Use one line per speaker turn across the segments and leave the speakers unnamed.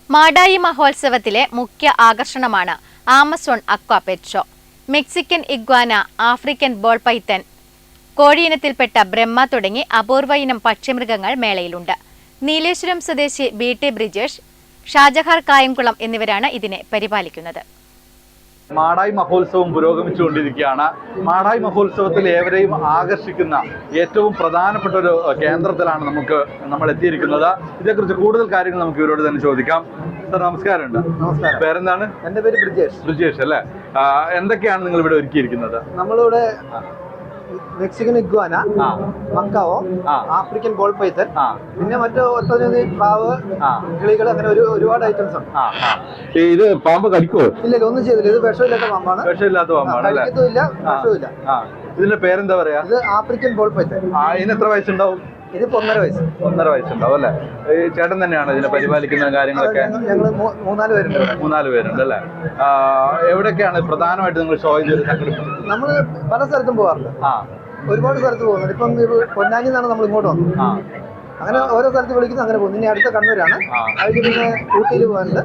മാടായി മഹോത്സവത്തിലെ മുഖ്യ ആകർഷണമാണ് Amazon aqua pet show. Mexican iguana, African ball python, കോഴിയിനത്തിൽപ്പെട്ട ബ്രഹ്മ തുടങ്ങി അപൂർവ ഇനം പക്ഷിമൃഗങ്ങൾ മേളയിലുണ്ട്. നീലേശ്വരം സ്വദേശി ബി.ടി. ബ്രിജേഷ്, ഷാജഹാർ കായംകുളം എന്നിവരാണ് ഇതിനെ പരിപാലിക്കുന്നത്.
മാടായി മഹോത്സവം പുരോഗമിച്ചുകൊണ്ടിരിക്കുകയാണ്. മാടായി മഹോത്സവത്തിൽ ഏവരെയും ആകർഷിക്കുന്ന ഏറ്റവും പ്രധാനപ്പെട്ട ഒരു കേന്ദ്രത്തിലാണ് നമ്മൾ എത്തിയിരിക്കുന്നത്. ഇതേക്കുറിച്ച് കൂടുതൽ കാര്യങ്ങൾ നമുക്ക് ഇവരോട് തന്നെ ചോദിക്കാം. സാർ നമസ്കാരമുണ്ട്.
നമസ്കാരം.
പേരെന്താണ്?
എൻ്റെ പേര് ബ്രിജേഷ്.
ബ്രിജേഷ് അല്ലേ? എന്തൊക്കെയാണ് നിങ്ങൾ ഇവിടെ ഒരുക്കിയിരിക്കുന്നത്?
നമ്മളിവിടെ Mexican iguana, macaw, African ball python, പിന്നെ മറ്റു ഒട്ടനവധി പ്രാവ്, കിളികൾ, അങ്ങനെ ഒരുപാട് ഐറ്റംസ് ഉണ്ട്.
ഇത് പാമ്പ് കടിക്കുമോ?
ഇല്ല, ഒന്നും ചെയ്തില്ല. ഇത് വിഷമില്ലാത്ത പാമ്പാണ്.
വിഷമില്ലാത്ത പാമ്പാണ്.
കഴിക്കത്തുമില്ല, വിഷമില്ല.
ഇതിന്റെ പേരെന്താ പറയാ?
ഇത് ആഫ്രിക്കൻ ബോൾ പൈത്തൻ.
ഇതിന് എത്ര വയസ്സുണ്ടാവും?
ഇതിപ്പോ 1.5 വയസ്സ്.
1.5 വയസ്സുണ്ടാവും അല്ലേ? ഈ ചേട്ടൻ തന്നെയാണ് ഇതിനെ പരിപാലിക്കുന്ന കാര്യങ്ങളൊക്കെ?
ഞങ്ങൾ 3-4 പേരുണ്ട്.
3-4 പേരുണ്ട് അല്ലേ? എവിടെയൊക്കെയാണ് പ്രധാനമായിട്ട് നിങ്ങൾ ഷോ ചെയ്ത് സംഘടിപ്പിച്ചത്?
നമ്മൾ പല സ്ഥലത്തും പോകാറുണ്ട്. ഒരുപാട് സ്ഥലത്ത് പോകുന്നുണ്ട്. ഇപ്പം പൊന്നാനി നിന്നാണ് നമ്മൾ ഇങ്ങോട്ട് വന്നത്. അങ്ങനെ ഓരോ സ്ഥലത്ത് വിളിക്കുന്നു, അങ്ങനെ പോകുന്നു. ഇനി അടുത്ത കണ്ണൂരാണ്. അതിന് പിന്നെ ഊട്ടിയിൽ പോകാനുണ്ട്.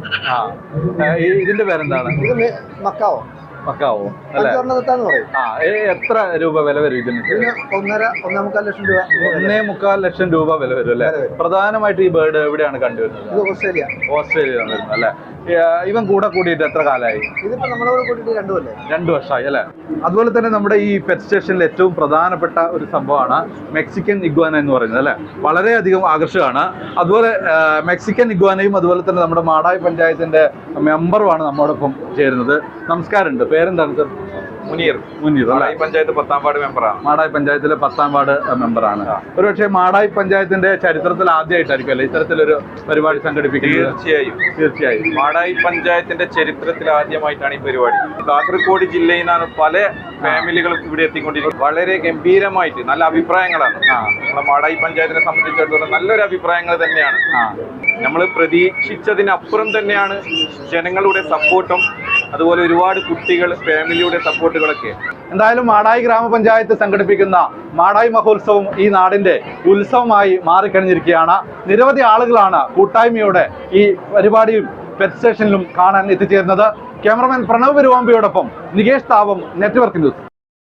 ഇതിന്റെ പേരെന്താണ്?
ഇത് മക്കാവോ.
മക്കാവോ അല്ലേ?
പറയും.
എത്ര രൂപ വില വരും ഇതിന്?
1.5-1.25 ലക്ഷം രൂപ.
1.25 ലക്ഷം രൂപ വില വരും അല്ലേ? പ്രധാനമായിട്ട് ഈ ബേർഡ് എവിടെയാണ് കണ്ടുവരുന്നത്? ഓസ്ട്രേലിയയാണ് വരുന്നത് അല്ലേ? ഇവൻ കൂടിയിട്ട് എത്ര കാലമായി?
ഇതിപ്പോ നമ്മളോട് കൂട്ടിയിട്ട് 2 കൊല്ലം.
2 വർഷമായി അല്ലേ? അതുപോലെ തന്നെ നമ്മുടെ ഈ പെറ്റ് സ്റ്റേഷനിൽ ഏറ്റവും പ്രധാനപ്പെട്ട ഒരു സംഭവമാണ് മെക്സിക്കൻ ഇഗ്വാന എന്ന് പറയുന്നത് അല്ലേ? വളരെയധികം ആകർഷകമാണ്. അതുപോലെ മെക്സിക്കൻ ഇഗ്വാനയും അതുപോലെ തന്നെ നമ്മുടെ മാടായി പഞ്ചായത്തിന്റെ മെമ്പറുമാണ് നമ്മോടൊപ്പം ചേരുന്നത്. നമസ്കാരമുണ്ട്. പേരെന്താണ് സർ? മുനീർ. മാടായി പഞ്ചായത്ത് 10ാം വാർഡ് മെമ്പറാണ്. മാടായി പഞ്ചായത്തിലെ 10ാം വാർഡ് മെമ്പറാണ്. ഒരുപക്ഷെ മാടായി പഞ്ചായത്തിന്റെ ചരിത്രത്തിൽ ആദ്യമായിട്ടായിരിക്കും അല്ലേ ഇത്തരത്തിലൊരു പരിപാടി സംഘടിപ്പിക്കുന്നത്? തീർച്ചയായും
മാടായി പഞ്ചായത്തിന്റെ ചരിത്രത്തിൽ ആദ്യമായിട്ടാണ് ഈ പരിപാടി. കാസർഗോഡ് ജില്ലയിൽ നിന്നാണ് പല ഫാമിലികളും ഇവിടെ എത്തിക്കൊണ്ടിരിക്കുന്നത്. വളരെ ഗംഭീരമായിട്ട് നല്ല അഭിപ്രായങ്ങളാണ്. നമ്മളെ മാടായി പഞ്ചായത്തിനെ സംബന്ധിച്ചിടത്തോളം നല്ലൊരു അഭിപ്രായങ്ങൾ തന്നെയാണ്. നമ്മൾ പ്രതീക്ഷിച്ചതിനപ്പുറം തന്നെയാണ് ജനങ്ങളുടെ സപ്പോർട്ടും അതുപോലെ ഒരുപാട് കുട്ടികൾ ഫാമിലിയുടെ സപ്പോർട്ടുകളൊക്കെ.
എന്തായാലും മാടായി ഗ്രാമപഞ്ചായത്ത് സംഘടിപ്പിക്കുന്ന മാടായി മഹോത്സവം ഈ നാടിന്റെ ഉത്സവമായി മാറിക്കഴിഞ്ഞിരിക്കുകയാണ്. നിരവധി ആളുകളാണ് കൂട്ടായ്മയോടെ ഈ പരിപാടിയും പെറ്റ് സ്റ്റേഷനിലും കാണാൻ എത്തിച്ചേരുന്നത്. ക്യാമറമാൻ പ്രണവ് പെരുവാമ്പിയോടൊപ്പം നികേഷ് താവം, നെറ്റ്വർക്ക് ന്യൂസ്.